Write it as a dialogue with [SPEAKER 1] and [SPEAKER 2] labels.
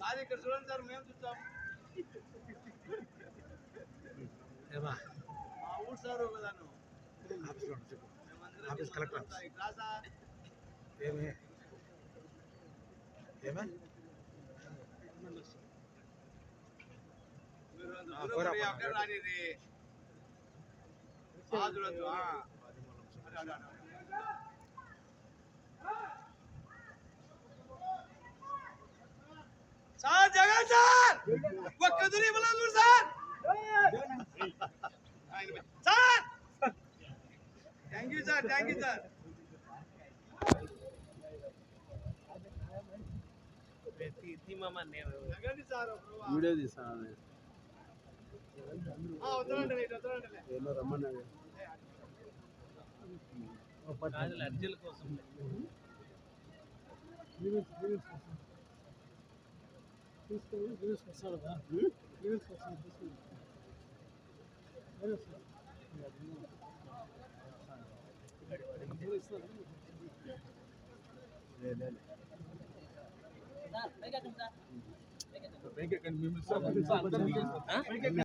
[SPEAKER 1] అది ఇక్కడ చూడండి సార్ మేము చూస్తాం
[SPEAKER 2] ఏమా
[SPEAKER 1] మా ఊరు సార్ ఒకదాను
[SPEAKER 2] ఆఫీస్లో చెప్పు ఆఫీస్ కలెక్టర్
[SPEAKER 1] రాసా
[SPEAKER 2] ఏమి ఏమే
[SPEAKER 1] మీరు అక్కడ రాని చూడొచ్చు సార్ జగన్ సార్ ఒక్క దురి చూడు sir sir thank you sir
[SPEAKER 3] video తీస్తాను ఏమో రమ్మన్నాడు
[SPEAKER 2] అర్జీల కోసం
[SPEAKER 3] లేదు